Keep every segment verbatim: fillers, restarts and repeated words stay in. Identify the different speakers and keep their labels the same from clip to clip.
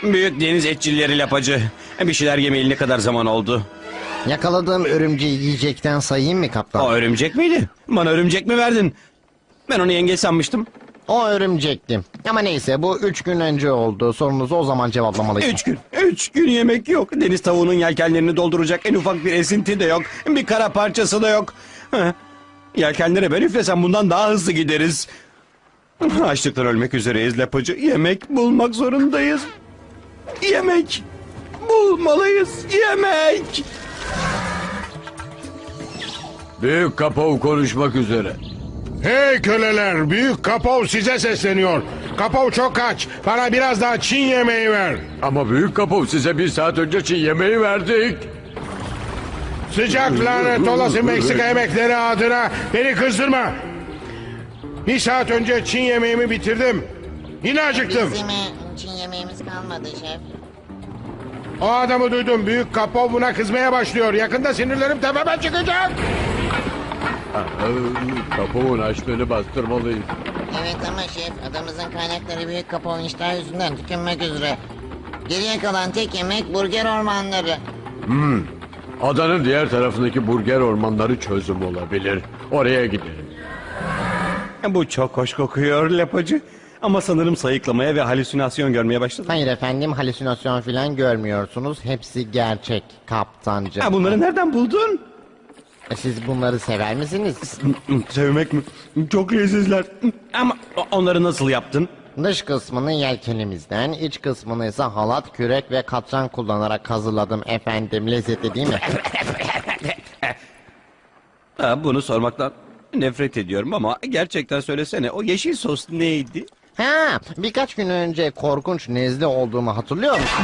Speaker 1: Büyük deniz etçilleri lapacı. Bir şeyler yemeyeli ne kadar zaman oldu?
Speaker 2: Yakaladığım örümceği yiyecekten sayayım mı kaptan?
Speaker 1: O örümcek miydi? Bana örümcek mi verdin? Ben onu yengeç sanmıştım.
Speaker 2: O örümcekti. Ama neyse bu üç gün önce oldu. Sorunuzu o zaman cevaplamalıyım.
Speaker 1: Üç gün. Üç gün yemek yok. Deniz tavuğunun yelkenlerini dolduracak en ufak bir esinti de yok. Bir kara parçası da yok. Heh. Yelkenlere ben üflesem bundan daha hızlı gideriz. Açlıktan ölmek üzereyiz lapacı. Yemek bulmak zorundayız. Yemek bulmalıyız. Yemek.
Speaker 3: Büyük Kapov konuşmak üzere.
Speaker 4: Hey köleler, Büyük Kapov size sesleniyor. Kapov çok aç, bana biraz daha Çin yemeği ver.
Speaker 3: Ama Büyük Kapov size bir saat önce Çin yemeği verdik.
Speaker 4: Sıcak lanet olası Meksika yemekleri adına beni kızdırma. Bir saat önce Çin yemeğimi bitirdim. Yine acıktım.
Speaker 5: Bizim e, Çin yemeğimiz kalmadı şef.
Speaker 4: O adamı duydum, Büyük Kapov buna kızmaya başlıyor. Yakında sinirlerim tepeme çıkacak.
Speaker 3: Kapov'un açlığını bastırmalıyız.
Speaker 5: Evet ama şef, adamızın kaynakları büyük kapağın iştah yüzünden tükenmek üzere. Geriye kalan tek yemek burger ormanları.
Speaker 3: Adanın diğer tarafındaki burger ormanları çözüm olabilir. Oraya gidelim.
Speaker 1: Bu çok hoş kokuyor lapacı. Ama sanırım sayıklamaya ve halüsinasyon görmeye başladım.
Speaker 2: Hayır efendim halüsinasyon falan görmüyorsunuz. Hepsi gerçek kaptancım.
Speaker 1: Ha, bunları nereden buldun?
Speaker 2: Siz bunları sever misiniz?
Speaker 1: Sevmek mi? Çok lezzetler. Ama onları nasıl yaptın?
Speaker 2: Dış kısmını yelkenimizden, iç kısmını ise halat, kürek ve katran kullanarak hazırladım efendim. Lezzetli değil mi?
Speaker 1: Ha, bunu sormaktan nefret ediyorum ama gerçekten söylesene, o yeşil sos neydi?
Speaker 2: Ha, birkaç gün önce korkunç nezle olduğumu hatırlıyor musun?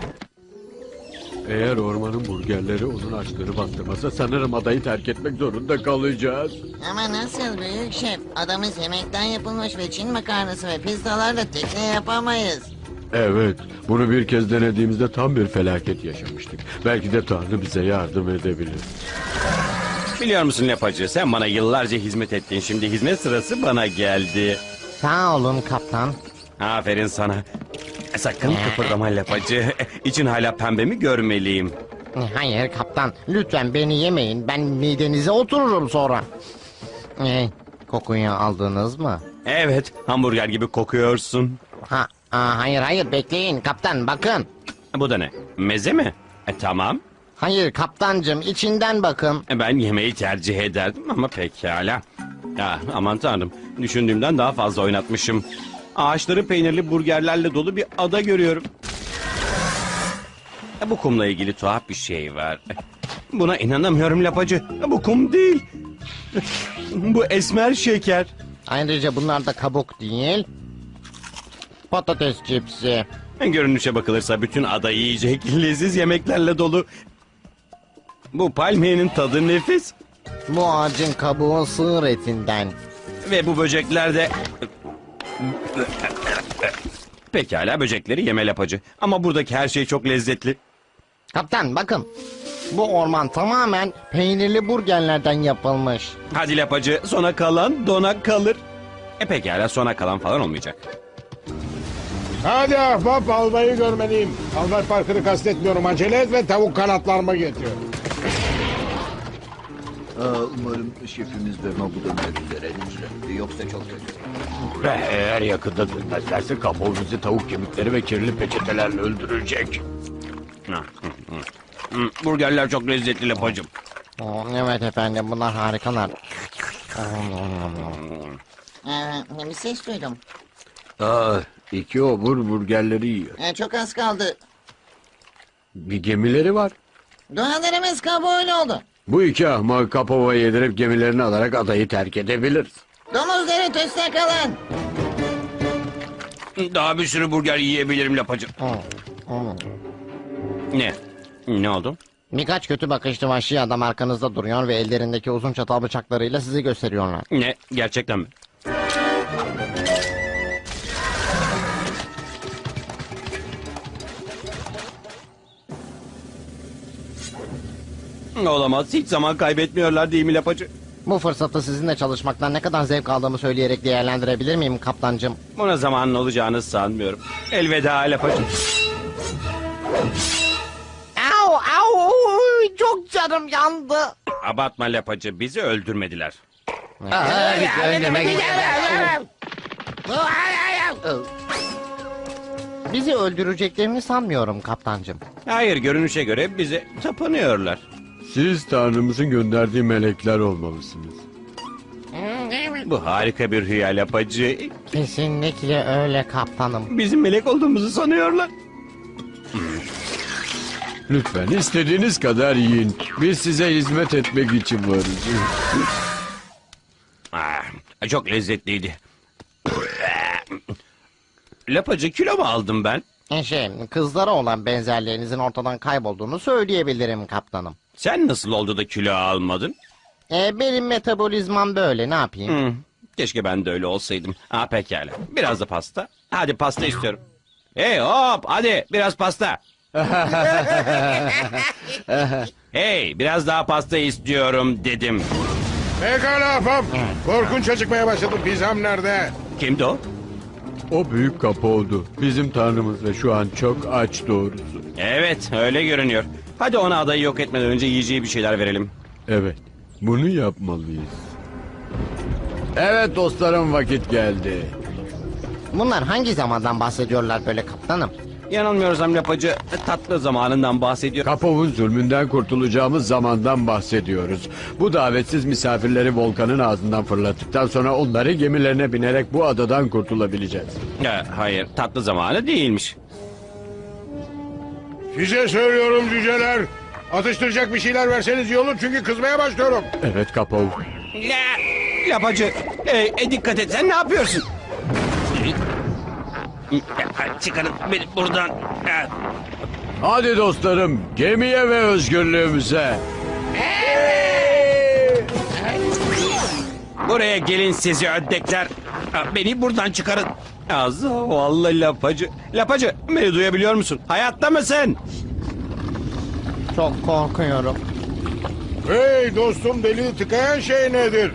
Speaker 3: Eğer ormanın burgerleri onun açlığını bastırmasa sanırım adayı terk etmek zorunda kalacağız.
Speaker 5: Ama nasıl büyük şef? Adamız yemekten yapılmış ve Çin makarnası ve pizzalarla tekne yapamayız.
Speaker 3: Evet, bunu bir kez denediğimizde tam bir felaket yaşamıştık. Belki de Tanrı bize yardım edebilir.
Speaker 1: Biliyor musun lapacı, sen bana yıllarca hizmet ettin, şimdi hizmet sırası bana geldi.
Speaker 2: Sağ olun kaptan.
Speaker 1: Aferin sana. Sakın kıpırdama lapacı. İçin hala pembe mi görmeliyim?
Speaker 2: Hayır kaptan, lütfen beni yemeyin. Ben midenize otururum sonra. Ee, kokuyu aldınız mı?
Speaker 1: Evet, hamburger gibi kokuyorsun.
Speaker 2: Ha, aa, hayır hayır bekleyin kaptan bakın.
Speaker 1: Bu da ne? Meze mi? E, tamam.
Speaker 2: Hayır kaptancım içinden bakın.
Speaker 1: E, Ben yemeği tercih ederdim ama pekala. Ya, aman tanrım, düşündüğümden daha fazla oynatmışım. Ağaçları peynirli burgerlerle dolu bir ada görüyorum. E, bu kumla ilgili tuhaf bir şey var. Buna inanamıyorum lapacı. E, bu kum değil. Bu esmer şeker.
Speaker 2: Ayrıca bunlar da kabuk değil. Patates cipsi.
Speaker 1: E, Görünüşe bakılırsa bütün ada yiyecek leziz yemeklerle dolu. Bu palmiyenin tadı nefis.
Speaker 2: Bu ağacın kabuğu sığır etinden.
Speaker 1: Ve bu böcekler de... Pekala, böcekleri yeme lapacı. Ama buradaki her şey çok lezzetli.
Speaker 2: Kaptan bakın. Bu orman tamamen peynirli burgerlerden yapılmış.
Speaker 1: Hadi lapacı, sona kalan dona kalır. E pekala, sona kalan falan olmayacak.
Speaker 4: Hadi ahbap, albayı görmeliyim. Albay Parker'ı kastetmiyorum, acele et ve tavuk kanatlarımı getir.
Speaker 6: Aa, umarım şefimiz ve Mabuda üzere lütfen. Yoksa çok kötü.
Speaker 3: Ve eğer yakında dönmezlerse Kapov bizi tavuk kemikleri ve kirli peçetelerle öldürecek.
Speaker 1: Hmm, burgerler çok lezzetli lapacım.
Speaker 2: Oo, evet efendim bunlar harikalar.
Speaker 5: Ee, bir ses duydum.
Speaker 3: Aa, iki obur burgerleri yiyor.
Speaker 5: Ee, çok az kaldı.
Speaker 3: Bir gemileri var.
Speaker 5: Dualarımız kabul oldu.
Speaker 3: Bu iki ahmak Kapov'a yedirip gemilerini alarak adayı terk edebiliriz.
Speaker 5: Domuzları tüste kalın.
Speaker 1: Daha bir sürü burger yiyebilirim lapacım. Ne? Ne oldu?
Speaker 2: Birkaç kötü bakışlı vahşi adam arkanızda duruyor ve ellerindeki uzun çatal bıçaklarıyla sizi gösteriyorlar.
Speaker 1: Ne? Gerçekten mi? Olamaz. Hiç zaman kaybetmiyorlar değil mi lapacı?
Speaker 2: Bu fırsatı sizinle çalışmaktan ne kadar zevk aldığımı söyleyerek değerlendirebilir miyim kaptancım?
Speaker 1: Buna zamanın olacağını sanmıyorum. Elveda lapacı.
Speaker 2: Au au uy, çok canım yandı.
Speaker 1: Abartma lapacı, bizi öldürmediler.
Speaker 2: Bizi öldüreceklerini sanmıyorum kaptancım.
Speaker 1: Hayır, görünüşe göre bize tapınıyorlar.
Speaker 3: Siz Tanrımızın gönderdiği melekler olmalısınız.
Speaker 1: Bu harika bir rüya lapacı.
Speaker 2: Kesinlikle öyle kaptanım.
Speaker 1: Bizim melek olduğumuzu sanıyorlar.
Speaker 3: Lütfen istediğiniz kadar yiyin. Biz size hizmet etmek için varız.
Speaker 1: Ah, çok lezzetliydi. Lapacı, kilo mu aldım ben?
Speaker 2: E Şey, kızlara olan benzerliğinizin ortadan kaybolduğunu söyleyebilirim kaptanım.
Speaker 1: Sen nasıl oldu da kilo almadın?
Speaker 2: E, benim metabolizmam böyle, ne yapayım?
Speaker 1: Hmm, keşke ben de öyle olsaydım. Ha, pekala. Biraz da pasta. Hadi pasta istiyorum. Hey hop, hadi biraz pasta. Hey, biraz daha pasta istiyorum dedim.
Speaker 4: Pekala ahbap. Korkunç acıkmaya başladım. Pizzam nerede?
Speaker 1: Kimdi o?
Speaker 3: O büyük kapı oldu. Bizim Tanrımız ve şu an çok aç doğrusu.
Speaker 1: Evet, öyle görünüyor. Hadi ona adayı yok etmeden önce yiyeceği bir şeyler verelim.
Speaker 3: Evet, bunu yapmalıyız. Evet dostlarım, vakit geldi.
Speaker 2: Bunlar hangi zamandan bahsediyorlar böyle kaptanım?
Speaker 1: Yanılmıyorsam lapacı tatlı zamanından bahsediyor.
Speaker 3: Kapov'un zulmünden kurtulacağımız zamandan bahsediyoruz. Bu davetsiz misafirleri volkanın ağzından fırlattıktan sonra onları gemilerine binerek bu adadan kurtulabileceğiz.
Speaker 1: Ha, hayır, tatlı zamanı değilmiş.
Speaker 4: Size söylüyorum cüceler. Atıştıracak bir şeyler verseniz iyi olur çünkü kızmaya başlıyorum.
Speaker 3: Evet Kapov.
Speaker 1: La, lapacı, e, e, dikkat et, sen ne yapıyorsun? Çıkarın beni buradan.
Speaker 3: Hadi dostlarım, gemiye ve özgürlüğümüze.
Speaker 1: Buraya gelin sizi ördekler. Beni buradan çıkarın. Az vallahi lapacı. Lapacı, beni duyabiliyor musun? Hayatta mısın?
Speaker 2: Çok korkuyorum.
Speaker 4: Hey dostum, deliği tıkayan şey nedir?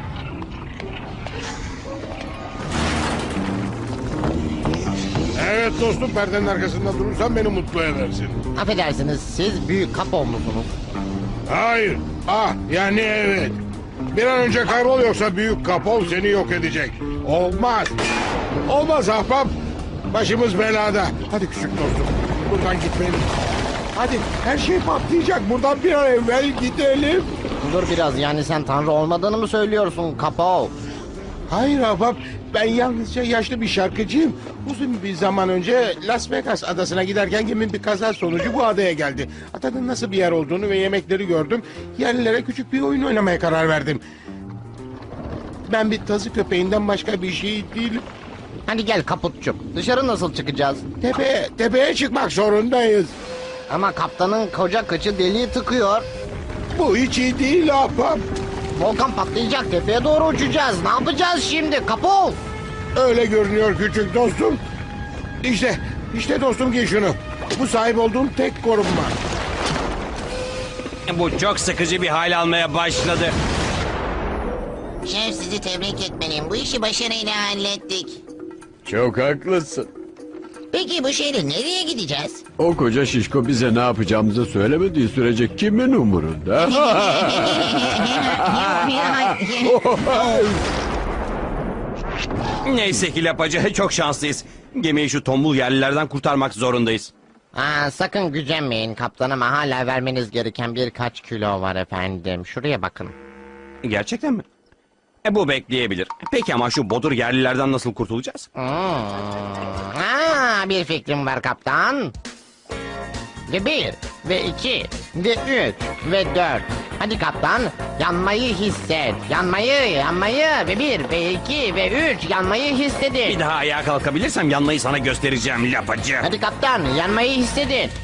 Speaker 4: Evet dostum, perdenin arkasında durursan beni mutlu edersin.
Speaker 2: Affedersiniz, siz büyük kapo musunuz?
Speaker 4: Hayır. Ah, yani evet. Bir an önce kaybol yoksa büyük kapol seni yok edecek. Olmaz. Olmaz ahbap. Başımız belada. Hadi küçük dostum. Buradan gitmeliyiz. Hadi, her şey patlayacak. Buradan bir an evvel gidelim.
Speaker 2: Dur biraz, yani sen tanrı olmadığını mı söylüyorsun kapo?
Speaker 4: Hayır ahbap. Ben yalnızca yaşlı bir şarkıcıyım. Uzun bir zaman önce Las Vegas adasına giderken gemim bir kaza sonucu bu adaya geldi. Adanın nasıl bir yer olduğunu ve yemekleri gördüm. Yerlilere küçük bir oyun oynamaya karar verdim. Ben bir tazı köpeğinden başka bir şey değilim.
Speaker 2: Hadi gel kaputçuk, dışarı nasıl çıkacağız?
Speaker 4: Tepeye, tepeye çıkmak zorundayız.
Speaker 2: Ama kaptanın koca kıçı deliği tıkıyor.
Speaker 4: Bu hiç iyi değil ahbap.
Speaker 2: Volkan patlayacak, tepeye doğru uçacağız. Ne yapacağız şimdi kapo?
Speaker 4: Öyle görünüyor küçük dostum. İşte, işte dostum, giy şunu. Bu sahip olduğum tek korunma.
Speaker 1: Bu çok sıkıcı bir hal almaya başladı.
Speaker 5: Şef, sizi tebrik etmeliyim. Bu işi başarıyla hallettik.
Speaker 3: Çok haklısın.
Speaker 5: Peki bu şeyle nereye gideceğiz?
Speaker 3: O koca şişko bize ne yapacağımızı söylemediği sürece kimin umurunda?
Speaker 1: Neyse ki lapacı, çok şanslıyız. Gemiyi şu tombul yerlilerden kurtarmak zorundayız.
Speaker 2: Aa, sakın gücenmeyin kaptanıma, hala vermeniz gereken birkaç kilo var efendim. Şuraya bakın.
Speaker 1: Gerçekten mi? E, bu bekleyebilir. Peki ama şu bodur yerlilerden nasıl kurtulacağız?
Speaker 2: Hmm. Aa, bir fikrim var kaptan. Ve bir, ve iki, ve üç, ve dört. Hadi kaptan, yanmayı hisset. Yanmayı, yanmayı. Ve bir, ve iki, ve üç, yanmayı hissedin.
Speaker 1: Bir daha ayağa kalkabilirsem yanmayı sana göstereceğim lapacı.
Speaker 2: Hadi kaptan, yanmayı hissedin.